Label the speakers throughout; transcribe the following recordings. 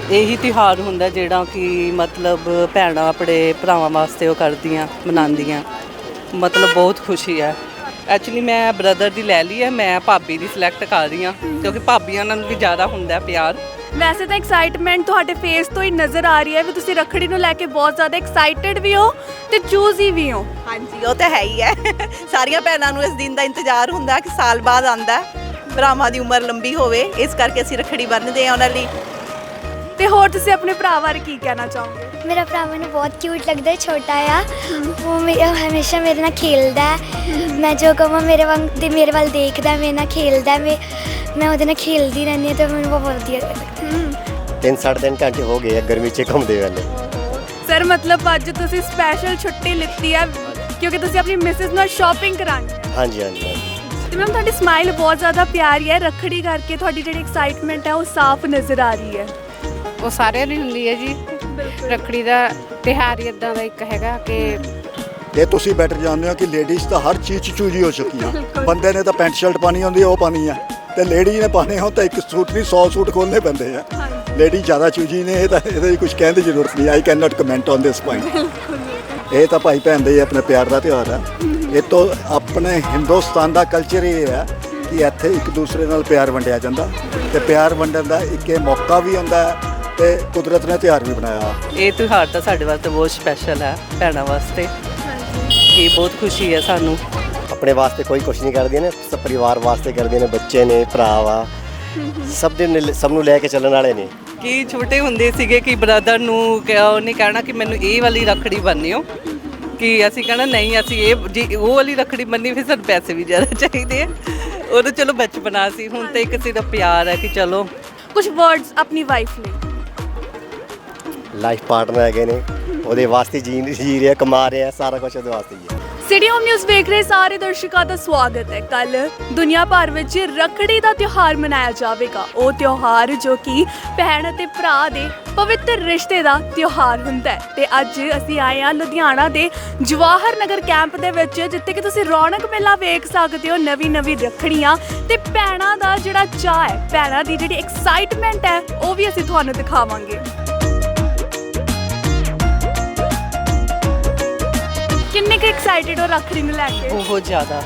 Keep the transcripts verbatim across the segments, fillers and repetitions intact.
Speaker 1: ਇਹੀ ਤਿਉਹਾਰ ਹੁੰਦਾ ਜਿਹੜਾ ਕਿ ਮਤਲਬ ਭੈਣਾਂ ਆਪਣੇ ਭਰਾਵਾਂ ਵਾਸਤੇ ਉਹ ਕਰਦੀਆਂ ਮਨਾਉਂਦੀਆਂ, ਮਤਲਬ ਬਹੁਤ ਖੁਸ਼ੀ ਹੈ। ਐਕਚੁਅਲੀ ਮੈਂ ਬ੍ਰਦਰ ਦੀ ਲੈ ਲਈ ਹੈ, ਮੈਂ ਭਾਬੀ ਦੀ ਸਿਲੈਕਟ ਕਰ ਰਹੀ ਹਾਂ ਕਿਉਂਕਿ ਭਾਬੀਆਂ ਨਾਲ ਵੀ ਜ਼ਿਆਦਾ ਹੁੰਦਾ ਪਿਆਰ।
Speaker 2: ਵੈਸੇ ਤਾਂ ਐਕਸਾਈਟਮੈਂਟ ਤੁਹਾਡੇ ਫੇਸ ਤੋਂ ਹੀ ਨਜ਼ਰ ਆ ਰਹੀ ਹੈ ਵੀ ਤੁਸੀਂ ਰੱਖੜੀ ਨੂੰ ਲੈ ਕੇ ਬਹੁਤ ਜ਼ਿਆਦਾ ਐਕਸਾਈਟਿਡ ਵੀ ਹੋ ਤੇ ਚੂਜ਼ੀ ਵੀ ਹੋ।
Speaker 3: ਹਾਂਜੀ ਉਹ ਤਾਂ ਹੈ ਹੀ ਹੈ। ਸਾਰੀਆਂ ਭੈਣਾਂ ਨੂੰ ਇਸ ਦਿਨ ਦਾ ਇੰਤਜ਼ਾਰ ਹੁੰਦਾ ਕਿ ਸਾਲ ਬਾਅਦ ਆਉਂਦਾ, ਭਰਾਵਾਂ ਦੀ ਉਮਰ ਲੰਬੀ ਹੋਵੇ, ਇਸ ਕਰਕੇ ਅਸੀਂ ਰੱਖੜੀ ਬੰਨ੍ਹਦੇ ਹਾਂ ਉਹਨਾਂ ਲਈ।
Speaker 2: ਤੇ ਹੋਰ ਤੁਸੀਂ ਆਪਣੇ ਭਰਾ ਬਾਰੇ ਕੀ ਕਹਿਣਾ ਚਾਹੋਗੇ?
Speaker 4: ਮੇਰਾ ਭਰਾ ਮੈਨੂੰ ਬਹੁਤ ਕਿਊਟ ਲੱਗਦਾ ਹੈ, ਛੋਟਾ ਆ ਉਹ ਮੇਰੇ ਹਮੇਸ਼ਾ ਮੇਰੇ ਨਾਲ ਖੇਲਦਾ ਹੈ। ਮੈਂ ਜੋ ਕਹਾਂ ਮੇਰੇ ਵਾਂਗ ਤੇ ਮੇਰੇ ਵੱਲ ਦੇਖਦਾ, ਮੇਰੇ ਨਾਲ ਖੇਲਦਾ, ਮੈਂ ਮੈਂ ਉਹਦੇ ਨਾਲ ਖੇਲਦੀ ਰਹਿੰਦੀ ਹਾਂ ਤੇ ਮੈਨੂੰ ਬਹੁਤ ਵਧੀਆ ਲੱਗਦਾ।
Speaker 5: ਤਿੰਨ ਸਾਢੇ ਤਿੰਨ ਘੰਟੇ ਹੋ ਗਏ ਆ ਗਰਮੀ 'ਚ ਘੁੰਮਦੇ ਵੇਲੇ।
Speaker 2: ਸਰ ਮਤਲਬ ਅੱਜ ਤੁਸੀਂ ਸਪੈਸ਼ਲ ਛੁੱਟੀ ਲਿੱਤੀ ਹੈ ਕਿਉਂਕਿ ਤੁਸੀਂ ਆਪਣੀ ਮਿਸਿਸ ਨਾਲ ਸ਼ਾਪਿੰਗ ਕਰਾਉਣੀ ਹੈ।
Speaker 5: ਹਾਂਜੀ ਹਾਂਜੀ ਹਾਂਜੀ।
Speaker 2: ਤੇ ਮੈਮ ਤੁਹਾਡੀ ਸਮਾਈਲ ਬਹੁਤ ਜ਼ਿਆਦਾ ਪਿਆਰੀ ਹੈ, ਰੱਖੜੀ ਕਰਕੇ ਤੁਹਾਡੀ ਜਿਹੜੀ ਐਕਸਾਈਟਮੈਂਟ ਹੈ ਉਹ ਸਾਫ਼ ਨਜ਼ਰ ਆ ਰਹੀ ਹੈ।
Speaker 6: ਉਹ ਸਾਰਿਆਂ ਦੀ ਹੁੰਦੀ ਹੈ ਜੀ, ਰੱਖੜੀ ਦਾ ਤਿਉਹਾਰ ਹੀ ਇਦਾਂ ਦਾ ਇੱਕ ਹੈਗਾ ਕਿ
Speaker 7: ਇਹ ਤੁਸੀਂ ਬੈਟਰ ਜਾਣਦੇ ਹੋ ਕਿ ਲੇਡੀਜ਼ ਤਾਂ ਹਰ ਚੀਜ਼ 'ਚ ਚੂਜੀ ਹੋ ਚੁੱਕੀਆਂ। ਬੰਦੇ ਨੇ ਤਾਂ ਪੈਂਟ ਸ਼ਰਟ ਪਾਣੀ ਹੁੰਦੀ ਹੈ ਉਹ ਪਾਣੀ ਹੈ, ਤੇ ਲੇਡੀ ਨੇ ਪਾਣੇ ਹੋ ਤਾਂ ਇੱਕ ਸੂਟ ਨਹੀਂ ਸੌ ਸੂਟ ਖੋਲ੍ਹਣੇ ਪੈਂਦੇ ਆ। ਲੇਡੀ ਜ਼ਿਆਦਾ ਚੂਜੀ ਨੇ, ਇਹ ਤਾਂ ਇਹਦੇ ਕੁਝ ਕਹਿਣ ਦੀ ਜ਼ਰੂਰਤ ਨਹੀਂ। I can not comment on this point. ਇਹ ਤਾਂ ਭਾਈ ਭੈਣ ਦਾ ਹੀ ਆਪਣੇ ਪਿਆਰ ਦਾ ਤਿਉਹਾਰ ਹੈ। ਇਹ ਤੋਂ ਆਪਣੇ ਹਿੰਦੁਸਤਾਨ ਦਾ ਕਲਚਰ ਇਹ ਹੈ ਕਿ ਇੱਥੇ ਇੱਕ ਦੂਸਰੇ ਨਾਲ ਪਿਆਰ ਵੰਡਿਆ ਜਾਂਦਾ, ਤੇ ਪਿਆਰ ਵੰਡਣ ਦਾ ਇੱਕ ਇਹ ਮੌਕਾ ਵੀ ਹੁੰਦਾ ਹੈ ਤੇ ਕੁਦਰਤ ਨੇ ਤਿਉਹਾਰ ਵੀ ਬਣਾਇਆ।
Speaker 1: ਇਹ ਤਿਉਹਾਰ ਤਾਂ ਸਾਡੇ ਵਾਸਤੇ ਬਹੁਤ ਸਪੈਸ਼ਲ ਹੈ, ਭੈਣਾਂ ਵਾਸਤੇ ਕਿ ਬਹੁਤ ਖੁਸ਼ੀ ਹੈ ਸਾਨੂੰ।
Speaker 5: ਆਪਣੇ ਵਾਸਤੇ ਕੋਈ ਕੁਛ ਨਹੀਂ ਕਰਦੀਆਂ ਨੇ, ਸਭ ਪਰਿਵਾਰ ਵਾਸਤੇ ਕਰਦੀਆਂ ਨੇ, ਬੱਚੇ ਨੇ, ਭਰਾ ਵਾ, ਸਭ ਦੇ ਨੇ- ਸਭ ਨੂੰ ਲੈ ਕੇ ਚੱਲਣ ਵਾਲੇ ਨੇ।
Speaker 1: ਕਿ ਛੋਟੇ ਹੁੰਦੇ ਸੀਗੇ ਕਿ ਬ੍ਰਦਰ ਨੂੰ ਉਹਨੇ ਕਹਿਣਾ ਕਿ ਮੈਨੂੰ ਇਹ ਵਾਲੀ ਰੱਖੜੀ ਬੰਨਿਓ, ਕਿ ਅਸੀਂ ਕਹਿਣਾ ਨਹੀਂ ਅਸੀਂ ਇਹ ਜੀ ਉਹ ਵਾਲੀ ਰੱਖੜੀ ਬੰਨੀ, ਫਿਰ ਸਾਨੂੰ ਪੈਸੇ ਵੀ ਜ਼ਿਆਦਾ ਚਾਹੀਦੇ ਆ। ਉਦੋਂ ਚਲੋ ਬਚਪਨਾ ਸੀ, ਹੁਣ ਤਾਂ ਇੱਕ ਸਿਰਫ ਪਿਆਰ ਹੈ ਕਿ ਚਲੋ।
Speaker 2: ਕੁਝ ਵਰਡਸ ਆਪਣੀ ਵਾਈਫ ਲਈ।
Speaker 5: ਲਾਈਫ ਪਾਰਟਨਰ ਹੈਗੇ ਨੇ, ਉਹਦੇ ਵਾਸਤੇ ਜੀ ਜੀ ਰਿਹਾ, ਕਮਾ ਰਿਹਾ, ਸਾਰਾ ਕੁਝ ਉਹਦੇ ਵਾਸਤੇ ਹੀ ਹੈ।
Speaker 2: ਸਿਟੀ ਹੋਮ ਨਿਊਜ਼ ਵੇਖ ਰਹੇ ਸਾਰੇ ਦਰਸ਼ਕਾਂ ਦਾ ਸਵਾਗਤ ਹੈ। ਕੱਲ ਦੁਨੀਆ ਭਰ ਵਿੱਚ ਰੱਖੜੀ ਦਾ ਤਿਉਹਾਰ ਮਨਾਇਆ ਜਾਵੇਗਾ, ਉਹ ਤਿਉਹਾਰ ਜੋ ਕਿ ਭੈਣ ਅਤੇ ਭਰਾ ਦੇ ਪਵਿੱਤਰ ਰਿਸ਼ਤੇ ਦਾ ਤਿਉਹਾਰ ਹੁੰਦਾ ਹੈ। ਤੇ ਅੱਜ ਅਸੀਂ ਆਏ ਹਾਂ ਲੁਧਿਆਣਾ ਦੇ ਜਵਾਹਰ ਨਗਰ ਕੈਂਪ ਦੇ ਵਿੱਚ, ਜਿੱਥੇ ਕਿ ਤੁਸੀਂ ਰੌਣਕ ਮੇਲਾ ਵੇਖ ਸਕਦੇ ਹੋ। ਨਵੀਂ ਨਵੀਂ ਰੱਖੜੀਆਂ ਤੇ ਭੈਣਾਂ ਦਾ ਜਿਹੜਾ ਚਾਅ ਹੈ, ਭੈਣਾਂ ਦੀ ਜਿਹੜੀ ਐਕਸਾਈਟਮੈਂਟ ਹੈ, ਉਹ ਵੀ ਅਸੀਂ ਤੁਹਾਨੂੰ ਦਿਖਾਵਾਂਗੇ। ਕਿੰਨੇ ਕੁ ਐਕਸਾਈਟਿਡ ਹੋ ਰੱਖੜੀ ਨੂੰ ਲੈ ਕੇ?
Speaker 1: ਬਹੁਤ ਜ਼ਿਆਦਾ।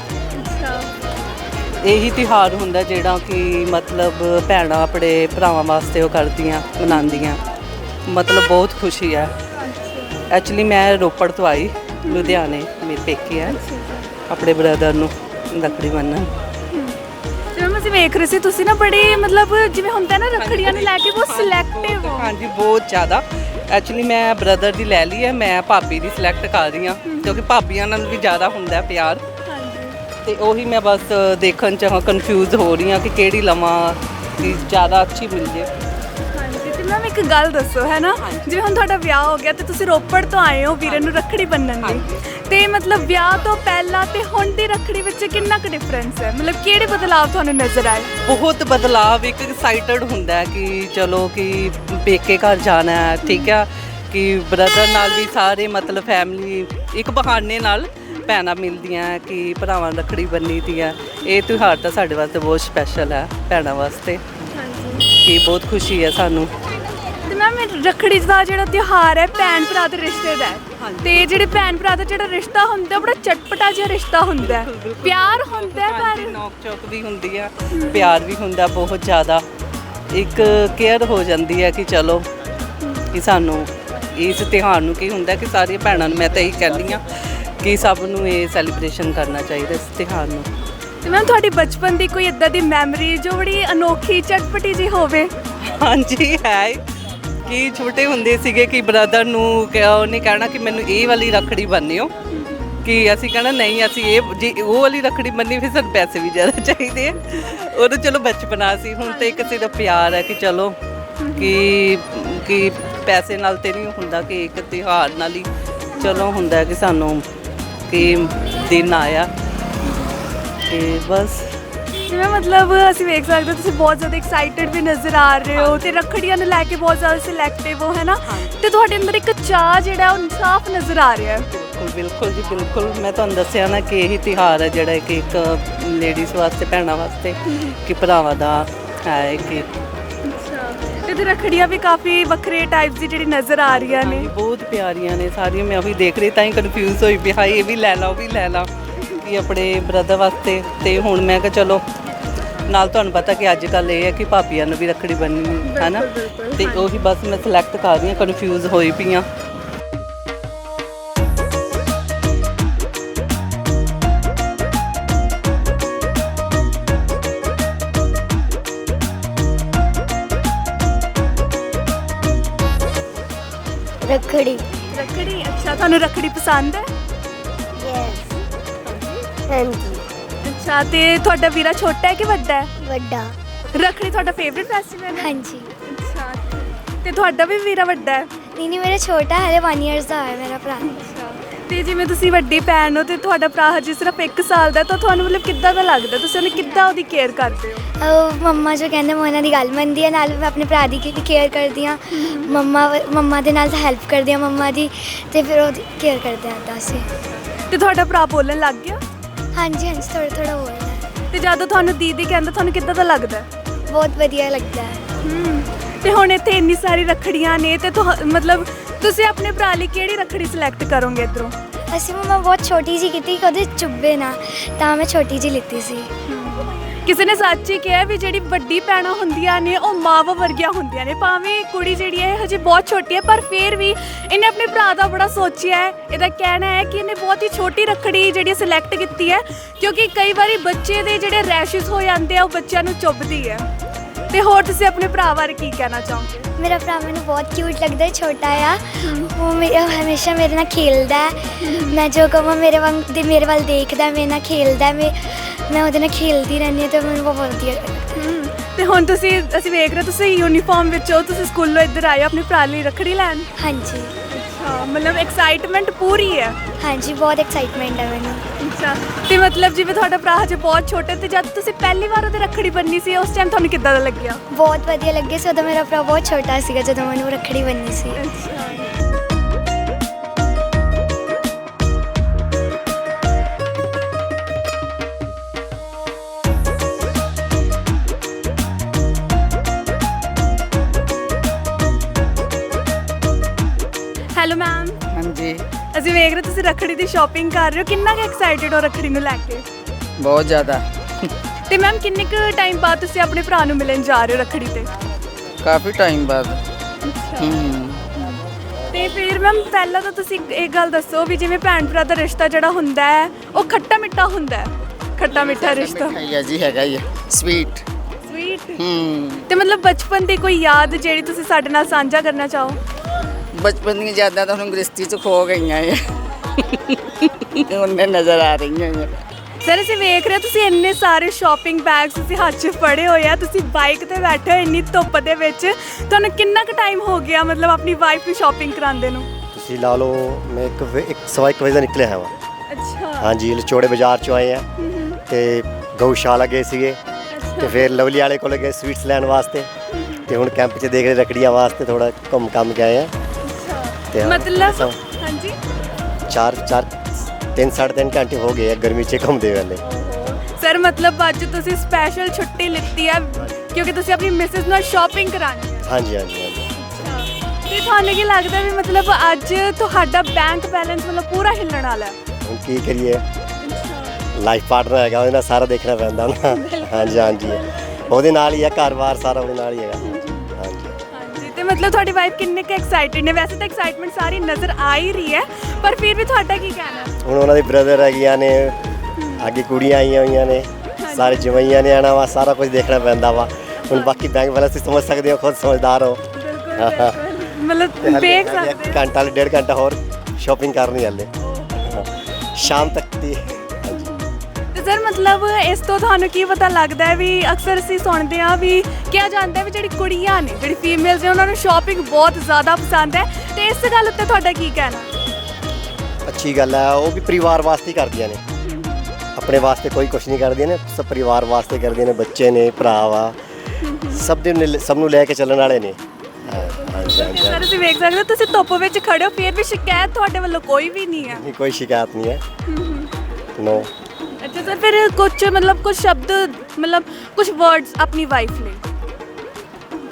Speaker 1: ਇਹੀ ਤਿਉਹਾਰ ਹੁੰਦਾ ਜਿਹੜਾ ਕਿ ਮਤਲਬ ਭੈਣਾਂ ਆਪਣੇ ਭਰਾਵਾਂ ਵਾਸਤੇ ਉਹ ਕਰਦੀਆਂ ਮਨਾਉਂਦੀਆਂ, ਮਤਲਬ ਬਹੁਤ ਖੁਸ਼ੀ ਹੈ। ਐਕਚੁਅਲੀ ਮੈਂ ਰੋਪੜ ਤੋਂ ਆਈ, ਲੁਧਿਆਣੇ ਮੇਰੇ ਪੇਕੇ ਹੈ, ਆਪਣੇ ਬ੍ਰਦਰ ਨੂੰ ਰੱਖੜੀ ਬੰਨ੍ਹਣ।
Speaker 2: ਜਿਵੇਂ ਅਸੀਂ ਵੇਖ ਰਹੇ ਸੀ ਤੁਸੀਂ ਨਾ ਬੜੇ ਮਤਲਬ ਜਿਵੇਂ ਹੁੰਦਾ ਨਾ ਰੱਖੜੀਆਂ ਨੂੰ ਲੈ ਕੇ ਬਹੁਤ ਸਿਲੈਕਟਿਵ ਹੋ।
Speaker 1: ਹਾਂਜੀ ਬਹੁਤ ਜ਼ਿਆਦਾ। ਐਕਚੁਅਲੀ ਮੈਂ ਬ੍ਰਦਰ ਦੀ ਲੈ ਲਈ ਹੈ, ਮੈਂ ਭਾਬੀ ਦੀ ਸਿਲੈਕਟ ਕਰ ਰਹੀ ਹਾਂ ਕਿਉਂਕਿ ਭਾਬੀਆਂ ਨਾਲ ਵੀ ਜ਼ਿਆਦਾ ਹੁੰਦਾ ਪਿਆਰ। ਤੇ ਉਹੀ ਮੈਂ ਬਸ ਦੇਖਣ 'ਚ ਕਨਫਿਊਜ਼ ਹੋ ਰਹੀ ਹਾਂ ਕਿ ਕਿਹੜੀ ਲਵਾਂ ਕਿ ਜ਼ਿਆਦਾ ਅੱਛੀ ਮਿਲ ਜੇ।
Speaker 2: ਹਾਂਜੀ ਤੇ ਮੈਮ ਇੱਕ ਗੱਲ ਦੱਸੋ ਹੈ ਨਾ, ਜਿਵੇਂ ਹੁਣ ਤੁਹਾਡਾ ਵਿਆਹ ਹੋ ਗਿਆ ਤੇ ਤੁਸੀਂ ਰੋਪੜ ਤੋਂ ਆਏ ਹੋ ਵੀਰੇ ਨੂੰ ਰੱਖੜੀ ਬੰਨ੍ਹਣ ਲਈ, ਤੇ ਮਤਲਬ ਵਿਆਹ ਤੋਂ ਪਹਿਲਾਂ ਤੇ ਹੁਣ ਦੀ ਰੱਖੜੀ ਵਿੱਚ ਕਿੰਨਾ ਕੁ ਡਿਫਰੈਂਸ ਹੈ? ਮਤਲਬ ਕਿਹੜੇ ਬਦਲਾਅ ਤੁਹਾਨੂੰ ਨਜ਼ਰ ਆਏ?
Speaker 1: ਬਹੁਤ ਬਦਲਾਵ। ਇੱਕ ਐਕਸਾਈਟਡ ਹੁੰਦਾ ਹੈ ਕਿ ਚਲੋ ਕਿ ਪੇਕੇ ਘਰ ਜਾਣਾ ਹੈ, ਠੀਕ ਆ, ਕਿ ਬ੍ਰਦਰ ਨਾਲ ਵੀ ਸਾਰੇ ਮਤਲਬ ਫੈਮਿਲੀ ਇੱਕ ਬਹਾਨੇ ਨਾਲ ਭੈਣਾਂ ਮਿਲਦੀਆਂ ਕਿ ਭਰਾਵਾਂ ਰੱਖੜੀ ਬੰਨੀ ਦੀ ਹੈ। ਇਹ ਤਿਉਹਾਰ ਤਾਂ ਸਾਡੇ ਵਾਸਤੇ ਬਹੁਤ ਸਪੈਸ਼ਲ ਹੈ, ਭੈਣਾਂ ਵਾਸਤੇ ਕਿ ਬਹੁਤ ਖੁਸ਼ੀ ਹੈ ਸਾਨੂੰ।
Speaker 2: ਤੇ ਮੈਮ ਰੱਖੜੀ ਦਾ ਜਿਹੜਾ ਤਿਉਹਾਰ ਹੈ ਭੈਣ ਭਰਾ ਦੇ ਰਿਸ਼ਤੇ ਦਾ ਹੈ, ਤੇ ਜਿਹੜੇ ਭੈਣ ਭਰਾ ਦਾ ਜਿਹੜਾ ਰਿਸ਼ਤਾ ਹੁੰਦਾ ਬੜਾ ਚਟਪਟਾ ਜਿਹਾ ਰਿਸ਼ਤਾ ਹੁੰਦਾ ਹੈ, ਪਿਆਰ ਹੁੰਦਾ ਹੈ, ਪਰ
Speaker 1: ਨੋਕ ਚੋਕ ਵੀ ਹੁੰਦੀ ਹੈ, ਪਿਆਰ ਵੀ ਹੁੰਦਾ ਬਹੁਤ ਜ਼ਿਆਦਾ। ਇੱਕ ਕੇਅਰ ਹੋ ਜਾਂਦੀ ਹੈ ਕਿ ਚਲੋ ਕਿ ਸਾਨੂੰ ਇਸ ਤਿਉਹਾਰ ਨੂੰ ਕੀ ਹੁੰਦਾ ਕਿ ਸਾਰੀਆਂ ਭੈਣਾਂ ਨੂੰ ਮੈਂ ਤਾਂ ਇਹੀ ਕਹਿੰਦੀ ਹਾਂ ਕਿ ਸਭ ਨੂੰ ਇਹ ਸੈਲੀਬ੍ਰੇਸ਼ਨ ਕਰਨਾ ਚਾਹੀਦਾ ਇਸ ਤਿਉਹਾਰ ਨੂੰ।
Speaker 2: ਤੇ ਮੈਮ ਤੁਹਾਡੀ ਬਚਪਨ ਦੀ ਕੋਈ ਇਦਾਂ ਦੀ ਮੈਮਰੀ ਜੋ ਬੜੀ ਅਨੋਖੀ ਚਟਪਟੀ ਜੀ ਹੋਵੇ?
Speaker 1: ਹਾਂਜੀ ਹੈ, ਕਿ ਛੋਟੇ ਹੁੰਦੇ ਸੀਗੇ ਕਿ ਬ੍ਰਦਰ ਨੂੰ ਉਹਨੇ ਕਹਿਣਾ ਕਿ ਮੈਨੂੰ ਇਹ ਵਾਲੀ ਰੱਖੜੀ ਬੰਨਿਓ, ਕਿ ਅਸੀਂ ਕਹਿਣਾ ਨਹੀਂ ਅਸੀਂ ਇਹ ਜੀ ਉਹ ਵਾਲੀ ਰੱਖੜੀ ਬੰਨੀ, ਫਿਰ ਸਾਨੂੰ ਪੈਸੇ ਵੀ ਜ਼ਿਆਦਾ ਚਾਹੀਦੇ ਆ। ਉਦੋਂ ਚਲੋ ਬਚਪਨਾ ਸੀ, ਹੁਣ ਤਾਂ ਇੱਕ ਸਿਰਫ ਪਿਆਰ ਹੈ ਕਿ ਚਲੋ ਕਿ ਕਿ ਪੈਸੇ ਨਾਲ ਤੇ ਨਹੀਂ ਹੁੰਦਾ, ਕਿ ਇੱਕ ਤਿਉਹਾਰ ਨਾਲ ਹੀ ਚਲੋ ਹੁੰਦਾ ਕਿ ਸਾਨੂੰ ਕਿ ਦਿਨ ਆਇਆ ਤੇ ਬਸ।
Speaker 2: ਜਿਵੇਂ ਮਤਲਬ ਅਸੀਂ ਵੇਖ ਸਕਦੇ ਤੁਸੀਂ ਬਹੁਤ ਜ਼ਿਆਦਾ ਐਕਸਾਈਟਿਡ ਵੀ ਨਜ਼ਰ ਆ ਰਹੇ ਹੋ ਤੇ ਰੱਖੜੀਆਂ ਨੂੰ ਲੈ ਕੇ ਬਹੁਤ ਜ਼ਿਆਦਾ ਸਿਲੈਕਟਿਵ ਹੋ, ਹੈ ਨਾ, ਤੇ ਤੁਹਾਡੇ ਅੰਦਰ ਇੱਕ ਚਾਅ ਜਿਹੜਾ ਉਹ ਸਾਫ਼ ਨਜ਼ਰ ਆ ਰਿਹਾ ਹੈ।
Speaker 1: ਬਿਲਕੁਲ ਬਿਲਕੁਲ ਜੀ ਬਿਲਕੁਲ। ਮੈਂ ਤੁਹਾਨੂੰ ਦੱਸਿਆ ਨਾ ਕਿ ਇਹੀ ਤਿਉਹਾਰ ਹੈ ਜਿਹੜਾ ਕਿ ਇੱਕ ਲੇਡੀਜ਼ ਵਾਸਤੇ, ਭੈਣਾਂ ਵਾਸਤੇ, ਕਿ ਭਰਾਵਾਂ ਦਾ ਹੈ ਕਿ
Speaker 2: ਤੇ ਰੱਖੜੀਆਂ ਵੀ ਕਾਫੀ ਵੱਖਰੇ ਟਾਈਪਸ ਦੀ ਜਿਹੜੀ ਨਜ਼ਰ ਆ ਰਹੀਆਂ ਨੇ।
Speaker 1: ਹਾਂਜੀ, ਬਹੁਤ ਪਿਆਰੀਆਂ ਨੇ ਸਾਰੀਆਂ। ਮੈਂ ਉਹੀ ਦੇਖ ਰਹੀ ਤਾਂ ਹੀ ਕਨਫਿਊਜ਼ ਹੋਈ ਵੀ ਹਾਈ ਇਹ ਵੀ ਲੈ ਲਾ ਉਹ ਵੀ ਲੈ ਲਾ ਕਿ ਆਪਣੇ ਬ੍ਰਦਰ ਵਾਸਤੇ। ਤੇ ਹੁਣ ਮੈਂ ਕਿਹਾ ਚਲੋ ਨਾਲ ਤੁਹਾਨੂੰ ਪਤਾ ਕਿ ਅੱਜ ਕੱਲ ਇਹ ਹੈ ਕਿ ਭਾਬੀਆਂ ਨੂੰ ਵੀ ਰੱਖੜੀ ਬੰਨ੍ਹਣੀ ਹੈ ਨਾ, ਤੇ ਉਹੀ ਬਸ ਮੈਂ ਸਿਲੈਕਟ ਕਰ ਰਹੀ ਹਾਂ, ਕਨਫਿਊਜ਼ ਹੋਈ ਪਈ ਹਾਂ।
Speaker 4: ਰੱਖੜੀ।
Speaker 2: ਰੱਖੜੀ, ਅੱਛਾ ਤੁਹਾਨੂੰ ਰੱਖੜੀ ਪਸੰਦ ਹੈ?
Speaker 4: ਯੈਸ। ਹਾਂਜੀ।
Speaker 2: ਅੱਛਾ ਤੇ ਤੁਹਾਡਾ ਵੀਰਾ ਛੋਟਾ ਹੈ ਕਿ ਵੱਡਾ ਹੈ?
Speaker 4: ਵੱਡਾ।
Speaker 2: ਰੱਖੜੀ ਤੁਹਾਡਾ ਫੇਵਰਿਟ ਫੈਸਟੀਵਲ ਹੈ?
Speaker 4: ਹਾਂਜੀ।
Speaker 2: ਅੱਛਾ ਤੇ ਤੁਹਾਡਾ ਵੀ ਵੀਰਾ ਵੱਡਾ ਹੈ?
Speaker 4: ਨਹੀਂ ਨਹੀਂ ਮੇਰਾ ਛੋਟਾ ਹਲੇ ਇੱਕ ਇਅਰਸ ਦਾ ਹੈ ਮੇਰਾ ਭਰਾ।
Speaker 2: ਤੇ ਜਿਵੇਂ ਤੁਸੀਂ ਵੱਡੀ ਭੈਣ ਹੋ ਤੇ ਤੁਹਾਡਾ ਭਰਾ ਹਜੇ ਸਿਰਫ ਇੱਕ ਸਾਲ ਦਾ ਹੈ, ਤਾਂ ਤੁਹਾਨੂੰ ਮਤਲਬ ਕਿੱਦਾਂ ਦਾ ਲੱਗਦਾ? ਤੁਸੀਂ ਉਹਨੇ ਕਿੱਦਾਂ ਉਹਦੀ ਕੇਅਰ ਕਰਦੇ ਹੋ?
Speaker 4: ਉਹ ਮੰਮਾ ਜੋ ਕਹਿੰਦੇ ਮੈਂ ਉਹਨਾਂ ਦੀ ਗੱਲ ਮੰਨਦੀ ਹਾਂ, ਨਾਲ ਮੈਂ ਆਪਣੇ ਭਰਾ ਦੀ ਕੇਅਰ ਕਰਦੀ ਹਾਂ। ਮੰਮਾ ਮੰਮਾ ਦੇ ਨਾਲ ਤਾਂ ਹੈਲਪ ਕਰਦੀ ਹਾਂ ਮੰਮਾ ਦੀ, ਤੇ ਫਿਰ ਉਹਦੀ ਕੇਅਰ ਕਰਦੇ ਹਾਂ ਤਾਂ ਅਸੀਂ।
Speaker 2: ਤੇ ਤੁਹਾਡਾ ਭਰਾ ਬੋਲਣ ਲੱਗ ਗਿਆ?
Speaker 4: ਹਾਂਜੀ ਹਾਂਜੀ ਥੋੜਾ ਥੋੜਾ ਬੋਲਦਾ ਹੈ।
Speaker 2: ਤੇ ਜਦੋਂ ਤੁਹਾਨੂੰ ਦੀਦੀ ਕਹਿੰਦਾ ਤੁਹਾਨੂੰ ਕਿੱਦਾਂ ਦਾ ਲੱਗਦਾ ਹੈ?
Speaker 4: ਬਹੁਤ ਵਧੀਆ ਲੱਗਦਾ ਹੈ।
Speaker 2: ਹਮ, ਤੇ ਹੁਣ ਇੱਥੇ ਇੰਨੀ ਸਾਰੀ ਰੱਖੜੀਆਂ ਨੇ ਤੇ ਤੁਹਾ- ਮਤਲਬ ਤੁਸੀਂ ਆਪਣੇ ਭਰਾ ਲਈ ਕਿਹੜੀ ਰੱਖੜੀ ਸਿਲੈਕਟ ਕਰੋਗੇ ਇੱਧਰੋਂ?
Speaker 4: ਅਸੀਂ ਮੰਮਾ ਬਹੁਤ ਛੋਟੀ ਜਿਹੀ ਕੀਤੀ ਕਿ ਉਹਦੇ ਚੁੱਭੇ ਨਾ, ਤਾਂ ਮੈਂ ਛੋਟੀ ਜਿਹੀ ਲਿੱਤੀ ਸੀ।
Speaker 2: ਕਿਸੇ ਨੇ ਸੱਚ ਹੀ ਕਿਹਾ ਵੀ ਜਿਹੜੀ ਵੱਡੀ ਭੈਣਾਂ ਹੁੰਦੀਆਂ ਨੇ ਉਹ ਮਾਵਾਂ ਵਰਗੀਆਂ ਹੁੰਦੀਆਂ ਨੇ। ਭਾਵੇਂ ਕੁੜੀ ਜਿਹੜੀ ਹੈ ਹਜੇ ਬਹੁਤ ਛੋਟੀ ਹੈ, ਪਰ ਫਿਰ ਵੀ ਇਹਨੇ ਆਪਣੇ ਭਰਾ ਦਾ ਬੜਾ ਸੋਚਿਆ ਹੈ। ਇਹਦਾ ਕਹਿਣਾ ਹੈ ਕਿ ਇਹਨੇ ਬਹੁਤ ਹੀ ਛੋਟੀ ਰੱਖੜੀ ਜਿਹੜੀ ਸਿਲੈਕਟ ਕੀਤੀ ਹੈ, ਕਿਉਂਕਿ ਕਈ ਵਾਰੀ ਬੱਚੇ ਦੇ ਜਿਹੜੇ ਰੈਸ਼ਸ ਹੋ ਜਾਂਦੇ ਆ ਉਹ ਬੱਚਿਆਂ ਨੂੰ ਚੁੱਭਦੀ ਹੈ। ਤੇ ਹੋਰ ਤੁਸੀਂ ਆਪਣੇ ਭਰਾ ਬਾਰੇ ਕੀ ਕਹਿਣਾ ਚਾਹੋਗੇ?
Speaker 4: ਮੇਰਾ ਭਰਾ ਮੈਨੂੰ ਬਹੁਤ ਕਿਊਟ ਲੱਗਦਾ ਹੈ, ਛੋਟਾ ਆ। ਉਹ ਮੇਰੇ ਹਮੇਸ਼ਾ ਮੇਰੇ ਨਾਲ ਖੇਲਦਾ ਹੈ। ਮੈਂ ਜੋ ਕਹਾਂ ਮੇਰੇ ਵਾਂਗ ਦੇ ਮੇਰੇ ਵੱਲ ਦੇਖਦਾ, ਮੇਰੇ ਨਾਲ ਖੇਲਦਾ, ਮੈਂ ਮੈਂ ਉਹਦੇ ਨਾਲ ਖੇਲਦੀ ਰਹਿੰਦੀ ਹਾਂ, ਤੇ ਮੈਨੂੰ ਬਹੁਤ ਵਧੀਆ ਲੱਗਦਾ।
Speaker 2: ਤੇ ਹੁਣ ਤੁਸੀਂ ਅਸੀਂ ਵੇਖ ਰਹੇ ਤੁਸੀਂ ਯੂਨੀਫਾਰਮ ਵਿੱਚ ਹੋ, ਤੁਸੀਂ ਸਕੂਲੋਂ ਇੱਧਰ ਆਏ ਹੋ ਆਪਣੇ ਭਰਾ ਲਈ ਰੱਖੜੀ ਲੈਣ।
Speaker 4: ਹਾਂਜੀ
Speaker 2: ਅੱਛਾ, ਮਤਲਬ ਐਕਸਾਈਟਮੈਂਟ ਪੂਰੀ ਹੈ।
Speaker 4: ਹਾਂਜੀ ਬਹੁਤ ਐਕਸਾਈਟਮੈਂਟ ਹੈ ਮੈਨੂੰ।
Speaker 2: ਅੱਛਾ ਤੇ ਮਤਲਬ ਜਿਵੇਂ ਤੁਹਾਡਾ ਭਰਾ ਹਜੇ ਬਹੁਤ ਛੋਟਾ, ਤੇ ਜਦ ਤੁਸੀਂ ਪਹਿਲੀ ਵਾਰ ਉਹਦੇ ਰੱਖੜੀ ਬੰਨ੍ਹੀ ਸੀ ਉਸ ਟਾਈਮ ਤੁਹਾਨੂੰ ਕਿੱਦਾਂ ਦਾ ਲੱਗਿਆ?
Speaker 4: ਬਹੁਤ ਵਧੀਆ ਲੱਗਿਆ ਸੀ। ਉਦੋਂ ਮੇਰਾ ਭਰਾ ਬਹੁਤ ਛੋਟਾ ਸੀਗਾ ਜਦੋਂ ਮੈਨੂੰ ਰੱਖੜੀ ਬੰਨ੍ਹੀ ਸੀ।
Speaker 2: ਅੱਛਾ ਹੈਲੋ ਮੈਮ।
Speaker 8: ਹਾਂਜੀ
Speaker 2: ਅਸੀਂ ਵੇਖ ਰਹੇ ਤੁਸੀਂ ਰੱਖੜੀ ਦੀ ਸ਼ਾਪਿੰਗ ਕਰ ਰਹੇ ਹੋ, ਕਿੰਨਾ ਕੁ ਐਕਸਾਈਟਿਡ ਹੋ ਰੱਖੜੀ ਨੂੰ ਲੈ ਕੇ?
Speaker 8: ਬਹੁਤ ਜ਼ਿਆਦਾ।
Speaker 2: ਤੇ ਮੈਮ ਕਿੰਨੇ ਕੁ ਟਾਈਮ ਬਾਅਦ ਤੁਸੀਂ ਆਪਣੇ ਭਰਾ ਨੂੰ ਮਿਲਣ ਜਾ ਰਹੇ ਹੋ ਰੱਖੜੀ ਤੇ?
Speaker 8: ਕਾਫੀ ਟਾਈਮ ਬਾਅਦ। ਹੂੰ
Speaker 2: ਤੇ ਫਿਰ ਮੈਮ ਪਹਿਲਾਂ ਤਾਂ ਤੁਸੀਂ ਇਹ ਗੱਲ ਦੱਸੋ ਵੀ ਜਿਵੇਂ ਭੈਣ ਭਰਾ ਦਾ ਰਿਸ਼ਤਾ ਜਿਹੜਾ ਹੁੰਦਾ ਹੈ ਉਹ ਖੱਟਾ ਮਿੱਠਾ ਹੁੰਦਾ ਹੈ, ਖੱਟਾ ਮਿੱਠਾ ਰਿਸ਼ਤਾ।
Speaker 8: ਹੈ ਜੀ, ਹੈਗਾ ਹੀ ਸਵੀਟ।
Speaker 2: ਸਵੀਟ।
Speaker 8: ਹੂੰ
Speaker 2: ਤੇ ਮਤਲਬ ਬਚਪਨ ਦੀ ਕੋਈ ਯਾਦ ਜਿਹੜੀ ਤੁਸੀਂ ਸਾਡੇ ਨਾਲ ਸਾਂਝਾ ਕਰਨਾ ਚਾਹੋ?
Speaker 8: ਬਚਪਨ ਦੀਆਂ ਯਾਦਾਂ ਤਾਂ ਹੁਣ ਗ੍ਰਸਤੀ ਚ ਖੋ ਗਈਆਂ ਹੈ। ਉਹਨੇ ਨਜ਼ਰ ਆ ਰਹੀਆਂ ਹੈ।
Speaker 2: ਸਰ ਅਸੀਂ ਵੇਖ ਰਹੇ ਤੁਸੀਂ ਇੰਨੇ ਸਾਰੇ ਸ਼ਾਪਿੰਗ ਬੈਗਸ ਤੁਸੀਂ ਹੱਥ 'ਚ ਫੜੇ ਹੋਏ ਆ, ਤੁਸੀਂ ਬਾਈਕ ਤੇ ਬੈਠੇ ਹੋ ਇੰਨੀ ਧੁੱਪ ਦੇ ਵਿੱਚ, ਤੁਹਾਨੂੰ ਕਿੰਨਾ ਕੁ ਟਾਈਮ ਹੋ ਗਿਆ ਮਤਲਬ ਆਪਣੀ ਵਾਈਫ ਨੂੰ ਸ਼ਾਪਿੰਗ ਕਰਾਉਂਦੇ ਨੂੰ?
Speaker 5: ਤੁਸੀਂ ਲਾ ਲਓ ਮੈਂ ਇੱਕ ਵਜੇ- ਇੱਕ ਸਵਾ ਇੱਕ ਵਜੇ ਦਾ ਨਿਕਲਿਆ ਹਾਂ।
Speaker 2: ਅੱਛਾ।
Speaker 5: ਹਾਂਜੀ ਲਚੋੜੇ ਬਾਜ਼ਾਰ ਚੋਂ ਆਏ ਆ, ਤੇ ਗਊਸ਼ਾਲਾ ਗਏ ਸੀਗੇ, ਤੇ ਫਿਰ ਲਵਲੀ ਵਾਲੇ ਕੋਲ ਗਏ ਸਵੀਟਸ ਲੈਣ ਵਾਸਤੇ, ਤੇ ਹੁਣ ਕੈਂਪ 'ਚ ਦੇਖ ਰਹੇ ਰੱਖੜੀਆਂ ਵਾਸਤੇ ਥੋੜਾ ਘੁੰਮ ਕੰਮ ਕੇ ਆਏ ਆ। ਤੇ
Speaker 2: ਮਤਲਬ
Speaker 5: ਸਭ
Speaker 2: ਹਾਂਜੀ
Speaker 5: ਚਾਰ ਚਾਰ ਤਿੰਨ ਸਾਢੇ ਤਿੰਨ ਘੰਟੇ ਹੋ ਗਏ ਆ ਗਰਮੀ 'ਚ ਘੁੰਮਦੇ ਵੇਲੇ।
Speaker 2: ਸਰ ਮਤਲਬ ਅੱਜ ਤੁਸੀਂ ਸਪੈਸ਼ਲ ਛੁੱਟੀ ਲਿੱਤੀ ਆ ਕਿਉਂਕਿ ਤੁਸੀਂ ਆਪਣੀ ਮਿਸਿਸ ਨਾਲ ਸ਼ਾਪਿੰਗ ਕਰਾਉਣੀ ਹੈ?
Speaker 5: ਹਾਂਜੀ ਹਾਂਜੀ ਹਾਂਜੀ।
Speaker 2: ਤੇ ਤੁਹਾਨੂੰ ਕੀ ਲੱਗਦਾ ਵੀ ਮਤਲਬ ਅੱਜ ਤੁਹਾਡਾ ਬੈਂਕ ਬੈਲੈਂਸ ਮਤਲਬ ਪੂਰਾ ਹਿੱਲਣ ਵਾਲਾ ਹੈ?
Speaker 5: ਹੁਣ ਕੀ ਕਰੀਏ, ਲਾਈਫ ਪਾਰਟਨਰ ਹੈਗਾ, ਉਹਦੇ ਨਾਲ ਸਾਰਾ ਦੇਖਣਾ ਪੈਂਦਾ ਨਾ। ਹਾਂਜੀ ਹਾਂਜੀ ਉਹਦੇ ਨਾਲ ਹੀ ਹੈ, ਘਰ-ਬਾਰ ਸਾਰਾ ਉਹਦੇ ਨਾਲ ਹੀ ਹੈਗਾ। ਹਾਂਜੀ
Speaker 2: ਹਾਂਜੀ ਤੇ ਮਤਲਬ ਤੁਹਾਡੀ ਵਾਈਫ ਕਿੰਨੇ ਕੁ ਐਕਸਾਈਟਿਡ ਨੇ? ਵੈਸੇ ਤਾਂ ਐਕਸਾਈਟਮੈਂਟ ਸਾਰੀ ਨਜ਼ਰ ਆ ਹੀ ਰਹੀ ਹੈ, ਪਰ ਫਿਰ ਵੀ ਤੁਹਾਡਾ ਕੀ ਕਹਿਣਾ?
Speaker 5: ਹੁਣ ਉਹਨਾਂ ਦੇ ਬ੍ਰਦਰ ਹੈਗੀਆਂ ਨੇ, ਅੱਗੇ ਕੁੜੀਆਂ ਆਈਆਂ ਹੋਈਆਂ ਨੇ, ਸਾਰੇ ਜਵਾਈਆਂ ਨੇ ਆਉਣਾ ਵਾ, ਸਾਰਾ ਕੁਝ ਦੇਖਣਾ ਪੈਂਦਾ ਵਾ। ਹੁਣ ਬਾਕੀ ਬੈਂਕ ਵਾਲਾ ਤੁਸੀਂ ਸਮਝ ਸਕਦੇ ਹੋ, ਖੁਦ ਸਮਝਦਾਰ ਹੋ।
Speaker 2: ਮਤਲਬ ਦੇਖ ਸਕਦੇ
Speaker 5: ਘੰਟਾ ਵਾਲੇ ਡੇਢ ਘੰਟਾ ਹੋਰ ਸ਼ਾਪਿੰਗ ਕਰਨੀ ਹਾਲੇ, ਸ਼ਾਮ ਤੱਕ ਦੀ।
Speaker 2: ਤੇ ਸਰ ਮਤਲਬ ਇਸ ਤੋਂ ਤੁਹਾਨੂੰ ਕੀ ਪਤਾ ਲੱਗਦਾ ਹੈ ਵੀ ਅਕਸਰ ਅਸੀਂ ਸੁਣਦੇ ਹਾਂ ਵੀ ਕਿਹਾ ਜਾਂਦਾ ਹੈ ਵੀ ਜਿਹੜੀ ਕੁੜੀਆਂ ਨੇ, ਜਿਹੜੀ ਫੀਮੇਲਸ ਨੇ, ਉਹਨਾਂ ਨੂੰ ਸ਼ਾਪਿੰਗ ਬਹੁਤ ਜ਼ਿਆਦਾ ਪਸੰਦ ਹੈ, ਤੇ ਇਸ ਗੱਲ ਉੱਤੇ ਤੁਹਾਡਾ ਕੀ ਕਹਿਣਾ?
Speaker 5: ਅੱਛੀ ਗੱਲ ਹੈ, ਉਹ ਵੀ ਪਰਿਵਾਰ ਵਾਸਤੇ ਹੀ ਕਰਦੀਆਂ ਨੇ, ਆਪਣੇ ਵਾਸਤੇ ਕੋਈ ਕੁਛ ਨਹੀਂ ਕਰਦੀਆਂ ਨੇ, ਸਭ ਪਰਿਵਾਰ ਵਾਸਤੇ ਕਰਦੀਆਂ ਨੇ। ਬੱਚੇ ਨੇ, ਭਰਾ ਵਾ, ਸਭ ਦੇ ਨੇ- ਸਭ ਨੂੰ ਲੈ ਕੇ ਚੱਲਣ ਵਾਲੇ ਨੇ।
Speaker 2: ਸਰ ਅਸੀਂ ਵੇਖ ਸਕਦੇ ਹੋ ਤੁਸੀਂ ਧੁੱਪ ਵਿੱਚ ਖੜੇ ਹੋ, ਫਿਰ ਵੀ ਸ਼ਿਕਾਇਤ ਤੁਹਾਡੇ ਵੱਲੋਂ ਕੋਈ ਵੀ ਨਹੀਂ ਹੈ?
Speaker 5: ਨਹੀਂ, ਕੋਈ ਸ਼ਿਕਾਇਤ ਨਹੀਂ ਹੈ। ਨੋ।
Speaker 2: ਅੱਛਾ ਸਰ ਫਿਰ ਕੁਝ ਮਤਲਬ ਕੁਝ ਸ਼ਬਦ ਮਤਲਬ ਕੁਝ ਵਰਡਸ ਆਪਣੀ ਵਾਈਫ ਲਈ?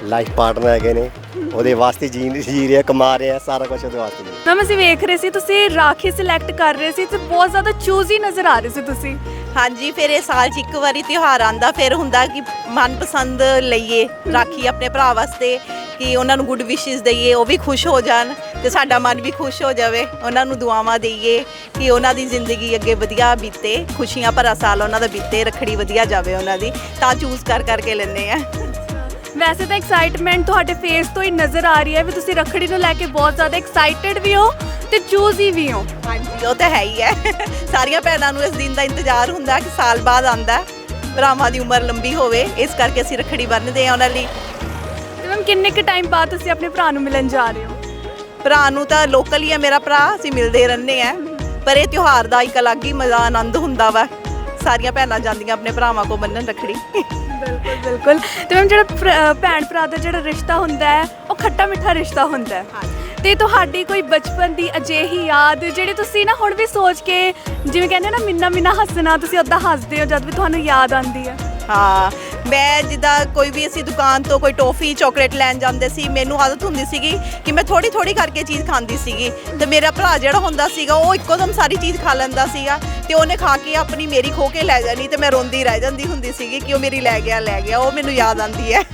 Speaker 5: ਲਾਈਫ ਪਾਰਟਨਰ ਹੈਗੇ ਨੇ, ਉਹਦੇ ਵਾਸਤੇ ਜੀ ਜੀ ਰਿਹਾ, ਕਮਾ ਰਿਹਾ, ਸਾਰਾ ਕੁਝ ਉਹਦੇ ਵਾਸਤੇ ਜੀ।
Speaker 2: ਮੈਮ ਅਸੀਂ ਵੇਖ ਰਹੇ ਸੀ ਤੁਸੀਂ ਰਾਖੀ ਸਿਲੈਕਟ ਕਰ ਰਹੇ ਸੀ ਤੇ ਬਹੁਤ ਜ਼ਿਆਦਾ ਚੂਜ਼ੀ ਨਜ਼ਰ ਆ ਰਹੇ ਸੀ ਤੁਸੀਂ।
Speaker 3: ਹਾਂਜੀ, ਫਿਰ ਇਹ ਸਾਲ 'ਚ ਇੱਕ ਵਾਰੀ ਤਿਉਹਾਰ ਆਂਦਾ, ਫਿਰ ਹੁੰਦਾ ਕਿ ਮਨਪਸੰਦ ਲਈਏ ਰਾਖੀ ਆਪਣੇ ਭਰਾ ਵਾਸਤੇ, ਕਿ ਉਹਨਾਂ ਨੂੰ ਗੁੱਡ ਵਿਸ਼ੇਸ ਦਈਏ, ਉਹ ਵੀ ਖੁਸ਼ ਹੋ ਜਾਣ ਤੇ ਸਾਡਾ ਮਨ ਵੀ ਖੁਸ਼ ਹੋ ਜਾਵੇ, ਉਹਨਾਂ ਨੂੰ ਦੁਆਵਾਂ ਦਈਏ ਕਿ ਉਹਨਾਂ ਦੀ ਜ਼ਿੰਦਗੀ ਅੱਗੇ ਵਧੀਆ ਬੀਤੇ, ਖੁਸ਼ੀਆਂ ਭਰਾ ਸਾਲ ਉਹਨਾਂ ਦਾ ਬੀਤੇ, ਰੱਖੜੀ ਵਧੀਆ ਜਾਵੇ ਉਹਨਾਂ ਦੀ, ਤਾਂ ਚੂਜ਼ ਕਰ ਕਰਕੇ ਲੈਂਦੇ ਆ।
Speaker 2: ਵੈਸੇ ਤਾਂ ਐਕਸਾਈਟਮੈਂਟ ਤੁਹਾਡੇ ਫੇਸ ਤੋਂ ਹੀ ਨਜ਼ਰ ਆ ਰਹੀ ਹੈ ਵੀ ਤੁਸੀਂ ਰੱਖੜੀ ਨੂੰ ਲੈ ਕੇ ਬਹੁਤ ਜ਼ਿਆਦਾ ਐਕਸਾਈਟਿਡ ਵੀ ਹੋ ਤੇ ਚੂਜ਼ੀ ਵੀ ਹੋ।
Speaker 3: ਹਾਂਜੀ, ਉਹ ਤਾਂ ਹੈ ਹੀ ਹੈ। ਸਾਰੀਆਂ ਭੈਣਾਂ ਨੂੰ ਇਸ ਦਿਨ ਦਾ ਇੰਤਜ਼ਾਰ ਹੁੰਦਾ ਕਿ ਸਾਲ ਬਾਅਦ ਆਂਦਾ, ਭਰਾਵਾਂ ਦੀ ਉਮਰ ਲੰਬੀ ਹੋਵੇ, ਇਸ ਕਰਕੇ ਅਸੀਂ ਰੱਖੜੀ ਬੰਨ੍ਹਦੇ ਆ ਉਹਨਾਂ ਲਈ।
Speaker 2: ਤੇ ਮੈਮ ਕਿੰਨੇ ਕੁ ਟਾਈਮ ਬਾਅਦ ਤੁਸੀਂ ਆਪਣੇ ਭਰਾ ਨੂੰ ਮਿਲਣ ਜਾ ਰਹੇ ਹੋ?
Speaker 3: ਭਰਾ ਨੂੰ ਤਾਂ ਲੋਕਲ ਹੀ ਹੈ ਮੇਰਾ ਭਰਾ, ਅਸੀਂ ਮਿਲਦੇ ਰਹਿੰਦੇ ਆ, ਪਰ ਇਹ ਤਿਉਹਾਰ ਦਾ ਇੱਕ ਅਲੱਗ ਹੀ ਮਜ਼ਾ ਆਨੰਦ ਹੁੰਦਾ ਵਾ, ਸਾਰੀਆਂ ਭੈਣਾਂ ਜਾਂਦੀਆਂ ਆਪਣੇ ਭਰਾਵਾਂ ਕੋਲ ਬੰਨ੍ਹਣ ਰੱਖੜੀ।
Speaker 2: ਬਿਲਕੁਲ ਬਿਲਕੁਲ। ਤੇ ਮੈਮ ਜਿਹੜਾ ਭਰਾ- ਭੈਣ ਭਰਾ ਦਾ ਜਿਹੜਾ ਰਿਸ਼ਤਾ ਹੁੰਦਾ ਹੈ ਉਹ ਖੱਟਾ ਮਿੱਠਾ ਰਿਸ਼ਤਾ ਹੁੰਦਾ ਹੈ, ਤੇ ਤੁਹਾਡੀ ਕੋਈ ਬਚਪਨ ਦੀ ਅਜਿਹੀ ਯਾਦ ਜਿਹੜੀ ਤੁਸੀਂ ਨਾ ਹੁਣ ਵੀ ਸੋਚ ਕੇ, ਜਿਵੇਂ ਕਹਿੰਦੇ ਨਾ ਮਿੰਨਾ ਮਿੰਨਾ ਹੱਸਣਾ, ਤੁਸੀਂ ਉੱਦਾਂ ਹੱਸਦੇ ਹੋ ਜਦ ਵੀ ਤੁਹਾਨੂੰ ਯਾਦ ਆਉਂਦੀ ਹੈ?
Speaker 3: ਹਾਂ, ਮੈਂ ਜਿੱਦਾਂ ਕੋਈ ਵੀ ਅਸੀਂ ਦੁਕਾਨ ਤੋਂ ਕੋਈ ਟੋਫੀ ਚਾਕਲੇਟ ਲੈਣ ਜਾਂਦੇ ਸੀ, ਮੈਨੂੰ ਆਦਤ ਹੁੰਦੀ ਸੀਗੀ ਕਿ ਮੈਂ ਥੋੜੀ ਥੋੜੀ ਕਰਕੇ ਚੀਜ਼ ਖਾਂਦੀ ਸੀਗੀ, ਤੇ ਮੇਰਾ ਭਰਾ ਜਿਹੜਾ ਹੁੰਦਾ ਸੀਗਾ ਉਹ ਇੱਕੋ ਦਮ ਸਾਰੀ ਚੀਜ਼ ਖਾ ਲੈਂਦਾ ਸੀਗਾ, ਤੇ ਉਹਨੇ ਖਾ ਕੇ ਆਪਣੀ ਮੇਰੀ ਖੋ ਕੇ ਲੈ ਜਾਣੀ, ਤੇ ਮੈਂ ਰੋਂਦੀ ਰਹਿ ਜਾਂਦੀ ਹੁੰਦੀ ਸੀਗੀ ਕਿ ਉਹ ਮੇਰੀ ਲੈ ਗਿਆ ਲੈ ਗਿਆ ਉਹ ਮੈਨੂੰ ਯਾਦ ਆਉਂਦੀ ਹੈ।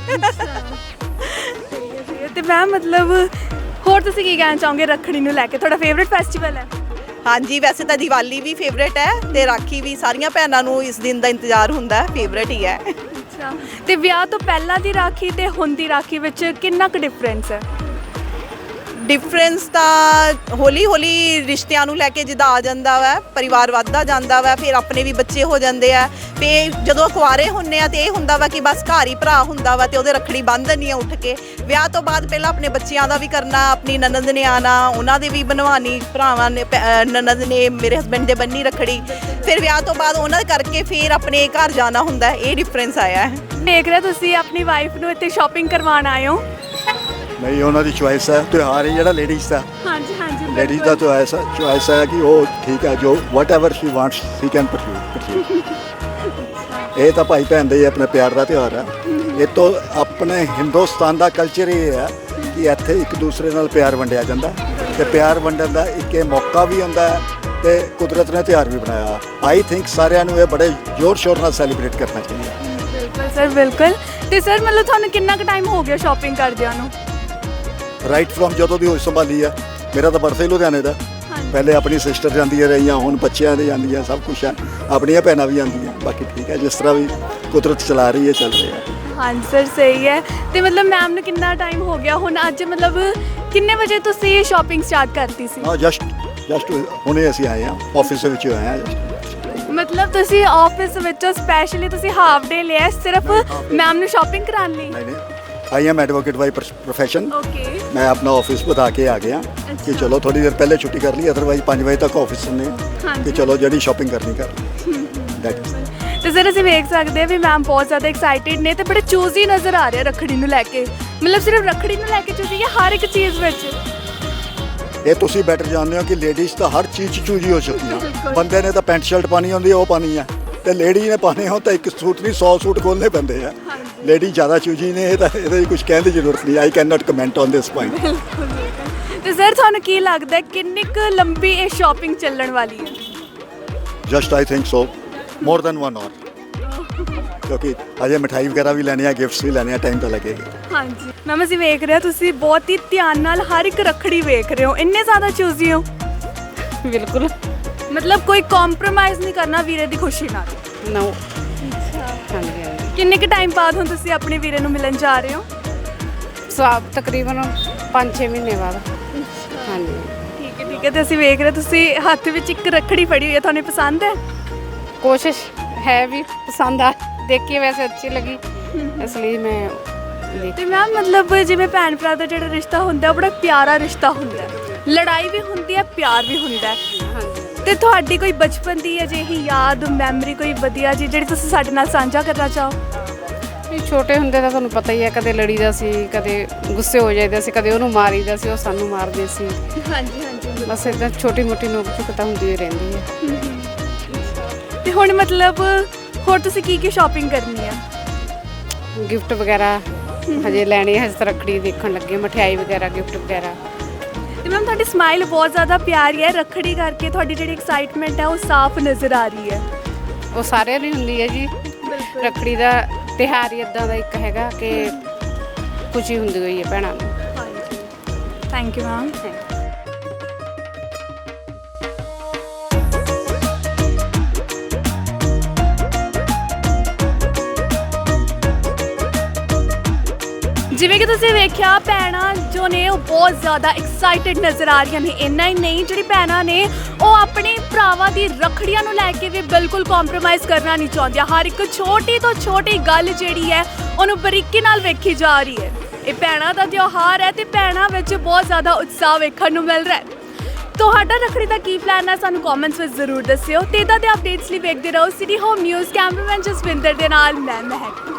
Speaker 2: ਤੇ ਮੈਮ ਮਤਲਬ ਹੋਰ ਤੁਸੀਂ ਕੀ ਕਹਿਣਾ ਚਾਹੋਗੇ ਰੱਖੜੀ ਨੂੰ ਲੈ ਕੇ? ਤੁਹਾਡਾ ਫੇਵਰਿਟ ਫੈਸਟੀਵਲ ਹੈ?
Speaker 3: ਹਾਂਜੀ, ਵੈਸੇ ਤਾਂ ਦੀਵਾਲੀ ਵੀ ਫੇਵਰੇਟ ਹੈ ਤੇ ਰਾਖੀ ਵੀ, ਸਾਰੀਆਂ ਭੈਣਾਂ ਨੂੰ ਇਸ ਦਿਨ ਦਾ ਇੰਤਜ਼ਾਰ ਹੁੰਦਾ, ਫੇਵਰੇਟ ਹੀ ਹੈ।
Speaker 2: ਅੱਛਾ, ਤੇ ਵਿਆਹ ਤੋਂ ਪਹਿਲਾਂ ਦੀ ਰਾਖੀ ਤੇ ਹੁਣ ਦੀ ਰਾਖੀ ਵਿੱਚ ਕਿੰਨਾ ਕੁ ਡਿਫਰੈਂਸ ਹੈ?
Speaker 3: ਡਿਫਰੈਂਸ ਤਾਂ ਹੌਲੀ ਹੌਲੀ ਰਿਸ਼ਤਿਆਂ ਨੂੰ ਲੈ ਕੇ ਜਿੱਦਾਂ ਆ ਜਾਂਦਾ ਵਾ, ਪਰਿਵਾਰ ਵੱਧਦਾ ਜਾਂਦਾ ਵਾ, ਫਿਰ ਆਪਣੇ ਵੀ ਬੱਚੇ ਹੋ ਜਾਂਦੇ ਆ, ਫਿਰ ਜਦੋਂ ਕੁਆਰੇ ਹੁੰਨੇ ਆ ਤੇ ਇਹ ਹੁੰਦਾ ਵਾ ਕਿ ਬਸ ਘਰ ਹੀ ਭਰਾ ਹੁੰਦਾ ਵਾ ਤੇ ਉਹਦੇ ਰੱਖੜੀ ਬੰਨ੍ਹ ਦਿੰਦੀ ਆ ਉੱਠ ਕੇ। ਵਿਆਹ ਤੋਂ ਬਾਅਦ ਪਹਿਲਾਂ ਆਪਣੇ ਬੱਚਿਆਂ ਦਾ ਵੀ ਕਰਨਾ, ਆਪਣੀ ਨਨਦ ਨੇ ਆਣਾ, ਉਹਨਾਂ ਦੇ ਵੀ ਬਣਵਾਉਣੀ, ਭਰਾਵਾਂ ਨੇ ਨਨਦ ਨੇ ਮੇਰੇ ਹਸਬੈਂਡ ਦੇ ਬੰਨੀ ਰੱਖੜੀ, ਫਿਰ ਵਿਆਹ ਤੋਂ ਬਾਅਦ ਉਹਨਾਂ ਦੇ ਕਰਕੇ ਫਿਰ ਆਪਣੇ ਘਰ ਜਾਣਾ ਹੁੰਦਾ, ਇਹ ਡਿਫਰੈਂਸ ਆਇਆ ਹੈ।
Speaker 2: ਦੇਖ ਰਹੇ ਤੁਸੀਂ ਆਪਣੀ ਵਾਈਫ ਨੂੰ ਇੱਥੇ ਸ਼ਾਪਿੰਗ ਕਰਵਾਉਣ ਆਏ ਹੋ?
Speaker 7: ਨਹੀਂ, ਉਹਨਾਂ ਦੀ ਚੁਆਇਸ ਹੈ, ਤਿਉਹਾਰ ਹੈ ਜਿਹੜਾ ਲੇਡੀਜ਼ ਦਾ,
Speaker 2: ਹਾਂਜੀ ਹਾਂਜੀ
Speaker 7: ਲੇਡੀਜ਼ ਦਾ ਚੁਆਇਸ ਹੈ, ਚੁਆਇਸ ਹੈ ਕਿ ਉਹ ਠੀਕ ਹੈ, ਜੋ whatever she wants she can pursue. ਇਹ ਤਾਂ ਭਾਈ ਭੈਣ ਦੇ ਹੀ ਆਪਣੇ ਪਿਆਰ ਦਾ ਤਿਉਹਾਰ ਹੈ। ਇਹ ਤੋਂ ਆਪਣੇ ਹਿੰਦੁਸਤਾਨ ਦਾ ਕਲਚਰ ਇਹ ਹੈ ਕਿ ਇੱਥੇ ਇੱਕ ਦੂਸਰੇ ਨਾਲ ਪਿਆਰ ਵੰਡਿਆ ਜਾਂਦਾ, ਤੇ ਪਿਆਰ ਵੰਡਣ ਦਾ ਇੱਕ ਇਹ ਮੌਕਾ ਵੀ ਹੁੰਦਾ ਹੈ, ਤੇ ਕੁਦਰਤ ਨੇ ਤਿਉਹਾਰ ਵੀ ਬਣਾਇਆ। ਆਈ ਥਿੰਕ ਸਾਰਿਆਂ ਨੂੰ ਇਹ ਬੜੇ ਜ਼ੋਰ ਸ਼ੋਰ ਨਾਲ ਸੈਲੀਬ੍ਰੇਟ ਕਰਨਾ ਚਾਹੀਦਾ।
Speaker 2: ਬਿਲਕੁਲ ਸਰ, ਬਿਲਕੁਲ। ਤੇ ਸਰ ਮਤਲਬ ਤੁਹਾਨੂੰ ਕਿੰਨਾ ਕੁ ਟਾਈਮ ਹੋ ਗਿਆ ਸ਼ਾਪਿੰਗ ਕਰਦਿਆਂ ਨੂੰ?
Speaker 7: ਰਾਈਟ ਫਰੋਮ ਜਦੋਂ ਦੀ ਹੋਸ਼ ਸੰਭਾਲੀ ਆ, ਮੇਰਾ ਤਾਂ ਬਰਥ ਹੀ ਲੁਧਿਆਣੇ ਦਾ, ਪਹਿਲੇ ਆਪਣੀ ਸਿਸਟਰ ਜਾਂਦੀਆਂ ਰਹੀਆਂ, ਹੁਣ ਬੱਚਿਆਂ ਦੇ ਜਾਂਦੀਆਂ, ਸਭ ਕੁਛ ਹੈ, ਆਪਣੀਆਂ ਭੈਣਾਂ ਵੀ ਜਾਂਦੀਆਂ, ਬਾਕੀ ਠੀਕ ਹੈ, ਜਿਸ ਤਰ੍ਹਾਂ ਵੀ ਕੁਦਰਤ ਚਲਾ ਰਹੀ ਹੈ ਚੱਲ ਰਿਹਾ।
Speaker 2: ਹਾਂਜੀ ਸਰ, ਸਹੀ ਹੈ। ਤੇ ਮਤਲਬ ਮੈਮ ਨੂੰ ਕਿੰਨਾ ਟਾਈਮ ਹੋ ਗਿਆ ਹੁਣ? ਅੱਜ ਮਤਲਬ ਕਿੰਨੇ ਵਜੇ ਤੁਸੀਂ ਸ਼ਾਪਿੰਗ ਸਟਾਰਟ ਕਰਤੀ ਸੀ?
Speaker 7: ਹਾਂ, ਜਸਟ ਜਸਟ ਹੁਣੇ ਅਸੀਂ ਆਏ ਹਾਂ, ਆਫਿਸ ਦੇ ਵਿੱਚ ਆਏ ਹਾਂ just।
Speaker 2: ਮਤਲਬ ਤੁਸੀਂ ਆਫਿਸ ਵਿੱਚੋਂ ਸਪੈਸ਼ਲੀ ਤੁਸੀਂ ਹਾਫ ਡੇ ਲਿਆ ਸਿਰਫ ਮੈਮ ਨੂੰ ਸ਼ਾਪਿੰਗ ਕਰਾਉਣ ਲਈ?
Speaker 7: ਨਹੀਂ ਨਹੀਂ, I am advocate by profession.
Speaker 2: Okay.
Speaker 7: ਮੈਂ ਆਪਣਾ ਆਫਿਸ ਬਤਾ ਕੇ ਆ ਗਿਆ ਕਿ ਚਲੋ ਥੋੜੀ ਦੇਰ ਪਹਿਲੇ ਛੁੱਟੀ ਕਰ ਲਈ, ਅਦਰਵਾਈਜ਼ ਪੰਜ ਵਜੇ ਤੱਕ ਆਫਿਸ ਹੁੰਦੇ ਆ ਕਿ ਚਲੋ ਜਿਹੜੀ ਸ਼ਾਪਿੰਗ ਕਰਨੀ ਕਰ ਲਈ। That is.
Speaker 2: ਤੇ ਸਰ ਅਸੀਂ ਵੇਖ ਸਕਦੇ ਹਾਂ ਵੀ ਮੈਮ ਬਹੁਤ ਜ਼ਿਆਦਾ ਐਕਸਾਈਟਿਡ ਨੇ ਤੇ ਬੜੇ ਚੂਜ਼ੀ ਨਜ਼ਰ ਆ ਰਹੇ ਰੱਖੜੀ ਨੂੰ ਲੈ ਕੇ। ਮਤਲਬ ਸਿਰਫ ਰੱਖੜੀ ਨੂੰ ਲੈ ਕੇ ਚੂਜ਼ੀ ਹੈ ਹਰ ਇੱਕ ਚੀਜ਼ ਵਿੱਚ?
Speaker 7: ਇਹ ਤੁਸੀਂ ਬੈਟਰ ਜਾਣਦੇ ਹੋ ਕਿ ਲੇਡੀਜ਼ ਤਾਂ ਹਰ ਚੀਜ਼ 'ਚ ਚੂਜੀ ਹੋ ਚੁੱਕੀਆਂ। ਬੰਦੇ ਨੇ ਤਾਂ ਪੈਂਟ ਸ਼ਰਟ ਪਾਣੀ ਹੁੰਦੀ ਹੈ, ਉਹ ਪਾਣੀ ਹੈ, ਤੇ ਲੇਡੀ ਨੇ ਪਾਣੇ ਹੋ ਤਾਂ ਇੱਕ ਸੂਟ ਨਹੀਂ ਸੌ ਸੂਟ ਖੋਲ੍ਹਣੇ ਪੈਂਦੇ ਆ। ਲੇਡੀ ਜ਼ਿਆਦਾ ਚੂਜੀ ਨੇ, ਇਹ ਤਾਂ ਇਹਦੇ ਕੁਝ ਕਹਿਣ ਦੀ ਜ਼ਰੂਰਤ ਨਹੀਂ। I can not comment on this point.
Speaker 2: ਤੇ ਸਰ ਤੁਹਾਨੂੰ ਕੀ ਲੱਗਦਾ ਕਿੰਨੀ ਕੁ ਲੰਬੀ ਇਹ ਸ਼ਾਪਿੰਗ ਚੱਲਣ ਵਾਲੀ ਹੈ?
Speaker 7: Just I think so more than one hour, ਕਿਉਂਕਿ ਅਜੇ ਮਿਠਾਈ ਵਗੈਰਾ ਵੀ ਲੈਣੀ ਆ, ਗਿਫਟਸ ਵੀ ਲੈਣੇ ਆ, ਟਾਈਮ ਤਾਂ ਲੱਗੇਗਾ।
Speaker 2: ਹਾਂਜੀ ਮੈਮ ਅਸੀਂ ਵੇਖ ਰਹੇ ਹਾਂ ਤੁਸੀਂ ਬਹੁਤ ਹੀ ਧਿਆਨ ਨਾਲ ਹਰ ਇੱਕ ਰੱਖੜੀ ਵੇਖ ਰਹੇ ਹੋ, ਇੰਨੇ ਜ਼ਿਆਦਾ ਚੂਜ਼ੀ ਹੋ।
Speaker 6: ਬਿਲਕੁਲ।
Speaker 2: ਮਤਲਬ ਕੋਈ ਕੰਪਰੋਮਾਈਜ਼ ਨਹੀਂ ਕਰਨਾ ਵੀਰੇ ਦੀ ਖੁਸ਼ੀ ਨਾਲ?
Speaker 6: ਨੋ। ਹਾਂਜੀ ਹਾਂਜੀ।
Speaker 2: ਕਿੰਨੇ ਕੁ ਟਾਈਮ ਬਾਅਦ ਹੁਣ ਤੁਸੀਂ ਆਪਣੇ ਵੀਰੇ ਨੂੰ ਮਿਲਣ ਜਾ ਰਹੇ ਹੋ?
Speaker 6: ਸਵਾਬ ਤਕਰੀਬਨ ਪੰਜ ਛੇ ਮਹੀਨੇ ਬਾਅਦ। ਹਾਂਜੀ
Speaker 2: ਠੀਕ ਹੈ ਠੀਕ ਹੈ। ਤੇ ਅਸੀਂ ਵੇਖ ਰਹੇ ਤੁਸੀਂ ਹੱਥ ਵਿੱਚ ਇੱਕ ਰੱਖੜੀ ਫੜੀ ਹੋਈ ਹੈ, ਤੁਹਾਨੂੰ ਪਸੰਦ ਹੈ?
Speaker 6: ਕੋਸ਼ਿਸ਼ ਹੈ ਵੀ ਪਸੰਦ ਆ, ਦੇਖ ਕੇ ਵੈਸੇ ਅੱਛੀ ਲੱਗੀ, ਇਸ ਲਈ ਮੈਂ ਦੇਖ।
Speaker 2: ਤੇ ਮੈਮ ਮਤਲਬ ਜਿਵੇਂ ਭੈਣ ਭਰਾ ਦਾ ਜਿਹੜਾ ਰਿਸ਼ਤਾ ਹੁੰਦਾ ਉਹ ਬੜਾ ਪਿਆਰਾ ਰਿਸ਼ਤਾ ਹੁੰਦਾ ਹੈ, ਲੜਾਈ ਵੀ ਹੁੰਦੀ ਹੈ, ਪਿਆਰ ਵੀ ਹੁੰਦਾ ਹੈ।
Speaker 6: ਹਾਂਜੀ।
Speaker 2: ਤੇ ਤੁਹਾਡੀ ਕੋਈ ਬਚਪਨ ਦੀ ਅਜਿਹੀ ਯਾਦ ਮੈਮਰੀ ਕੋਈ ਵਧੀਆ ਜੀ ਜਿਹੜੀ ਤੁਸੀਂ ਸਾਡੇ ਨਾਲ ਸਾਂਝਾ ਕਰਨਾ ਚਾਹੋ?
Speaker 6: ਨਹੀਂ, ਛੋਟੇ ਹੁੰਦੇ ਤਾਂ ਤੁਹਾਨੂੰ ਪਤਾ ਹੀ ਹੈ, ਕਦੇ ਲੜੀਦਾ ਸੀ, ਕਦੇ ਗੁੱਸੇ ਹੋ ਜਾਈਦਾ ਸੀ, ਕਦੇ ਉਹਨੂੰ ਮਾਰੀਦਾ ਸੀ, ਉਹ ਸਾਨੂੰ ਮਾਰਦੇ ਸੀ।
Speaker 2: ਹਾਂਜੀ ਹਾਂਜੀ।
Speaker 6: ਬਸ ਇੱਦਾਂ ਛੋਟੀ ਮੋਟੀ ਨੋਕ ਝੁਕ ਤਾਂ ਹੁੰਦੀ ਹੀ ਰਹਿੰਦੀ ਹੈ।
Speaker 2: ਤੇ ਹੁਣ ਮਤਲਬ ਹੋਰ ਤੁਸੀਂ ਕੀ ਕੀ ਸ਼ਾਪਿੰਗ ਕਰਨੀ ਆ?
Speaker 6: ਗਿਫਟ ਵਗੈਰਾ ਹਜੇ ਲੈਣੇ ਹਜੇ ਤਾਂ ਰੱਖੜੀ ਦੇਖਣ ਲੱਗੇ, ਮਠਿਆਈ ਵਗੈਰਾ ਗਿਫਟ ਵਗੈਰਾ।
Speaker 2: ਤੇ ਮੈਮ ਤੁਹਾਡੀ ਸਮਾਈਲ ਬਹੁਤ ਜ਼ਿਆਦਾ ਪਿਆਰੀ ਹੈ, ਰੱਖੜੀ ਕਰਕੇ ਤੁਹਾਡੀ ਜਿਹੜੀ ਐਕਸਾਈਟਮੈਂਟ ਹੈ ਉਹ ਸਾਫ਼ ਨਜ਼ਰ ਆ ਰਹੀ ਹੈ।
Speaker 6: ਉਹ ਸਾਰਿਆਂ ਦੀ ਹੁੰਦੀ ਹੈ ਜੀ, ਰੱਖੜੀ ਦਾ ਤਿਉਹਾਰ ਹੀ ਇਦਾਂ ਦਾ ਇੱਕ ਹੈਗਾ ਕਿ ਖੁਸ਼ੀ ਹੁੰਦੀ ਹੋਈ ਹੈ ਭੈਣਾਂ ਨੂੰ।
Speaker 2: Thank you ma'am. ਜਿਵੇਂ ਕਿ ਤੁਸੀਂ ਵੇਖਿਆ ਭੈਣਾਂ ਜੋ ਨੇ ਉਹ ਬਹੁਤ ਜ਼ਿਆਦਾ ਐਕਸਾਈਟਿਡ ਨਜ਼ਰ ਆ ਰਹੀਆਂ ਨੇ। ਇੰਨਾ ਹੀ ਨਹੀਂ, ਜਿਹੜੀ ਭੈਣਾਂ ਨੇ ਉਹ ਆਪਣੇ ਭਰਾਵਾਂ ਦੀ ਰੱਖੜੀਆਂ ਨੂੰ ਲੈ ਕੇ ਵੀ ਬਿਲਕੁਲ ਕੰਪਰੋਮਾਈਜ਼ ਕਰਨਾ ਨਹੀਂ ਚਾਹੁੰਦੀਆਂ। ਹਰ ਇੱਕ ਛੋਟੀ ਤੋਂ ਛੋਟੀ ਗੱਲ ਜਿਹੜੀ ਹੈ ਉਹਨੂੰ ਬਰੀਕੀ ਨਾਲ ਵੇਖੀ ਜਾ ਰਹੀ ਹੈ। ਇਹ ਭੈਣਾਂ ਦਾ ਤਿਉਹਾਰ ਹੈ ਤੇ ਭੈਣਾਂ ਵਿੱਚ ਬਹੁਤ ਜ਼ਿਆਦਾ ਉਤਸ਼ਾਹ ਵੇਖਣ ਨੂੰ ਮਿਲ ਰਿਹਾ ਹੈ। ਤੁਹਾਡਾ ਰੱਖੜੀ ਦਾ ਕੀ ਪਲਾਨ ਹੈ ਸਾਨੂੰ ਕਮੈਂਟਸ ਵਿੱਚ ਜ਼ਰੂਰ ਦੱਸਿਓ ਤੇ ਇੱਦਾਂ ਦੇ ਅਪਡੇਟਸ ਲਈ ਵੇਖਦੇ ਰਹੋ city home news. Cameraman Jaswinder ਦੇ ਨਾਲ ਮੈਂ ਮਹਿਕ।